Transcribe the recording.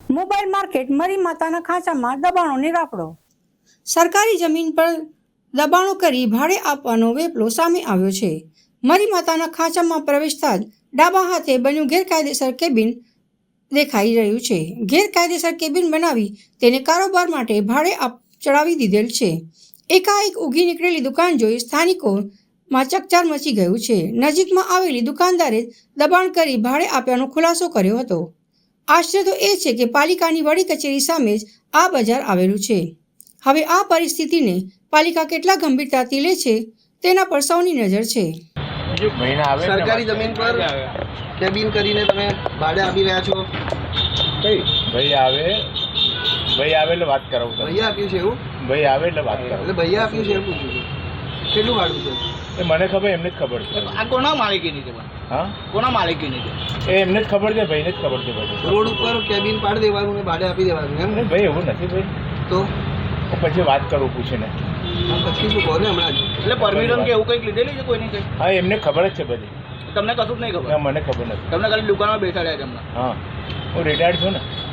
Mobile market મરી માતાના ખાંચામાં દબાણોની રાફડો। સરકારી જમીન પર દબાણો કરી ભાડે આપવાનો વેપલો સામે આવ્યો છે। મરી માતાના ખાંચામાં પ્રવેશતા જ ડાબા હાથે બન્યું ગેરકાયદેસર કેબિન દેખાઈ રહ્યું છે। ગેરકાયદેસર કેબિન બનાવી તેને કારોબાર માટે ભાડે ચડાવી દીધેલ છે। એકાએક ઊગી નીકળેલી દુકાન જોઈ સ્થાનિકોમાં ચકચાર મચી ગયું છે। નજીકમાં આવેલી દુકાનદારે દબાણ કરી ભાડે આપ્યાનો ખુલાસો કર્યો હતો। આશ્ચર્ય તો એ છે કે પાલિકાની વડી કચેરી સામે જ આ બજાર આવેલું છે। હવે આ પરિસ્થિતિને પાલિકા કેટલા ગંભીરતાથી લે છે તેના પર સૌની નજર છે। સરકારી જમીન પર કેબિન કરીને તમે ભાડે આપી રહ્યા છો। ભાઈ આવે એટલે વાત કરાવું। ભૈયા આપ્યું છે એવું? ભાઈ આવે એટલે વાત કરાવું। એટલે ભૈયા આપ્યું છે એવું પૂછ્યું છું। કેટલું ભાડું છે એ મને ખબર, એમને જ ખબર છે। આ કોના માલિકીની છે? હા, કોના માલિકીની છે? એ એમને જ ખબર છે, ભાઈને જ ખબર છે બધું। રોડ ઉપર કેબિન પાડી દેવાનું ને ભાડે આપી દેવાનું એમ? ભાઈ એવું નથી ભાઈ, તો પછી વાત કરું પૂછીને। પછી શું કહો ને હમણાં જ? એટલે પરમિશન કે એવું કંઈક લીધેલી છે કોઈની કંઈ? હા, એમને ખબર જ છે બધી। તમને કશું જ નહીં ખબર? ના, મને ખબર નથી। તમને ખાલી દુકાનમાં બેસાડ્યા છે હમણાં? હા, હું રિટાયર્ડ છું ને।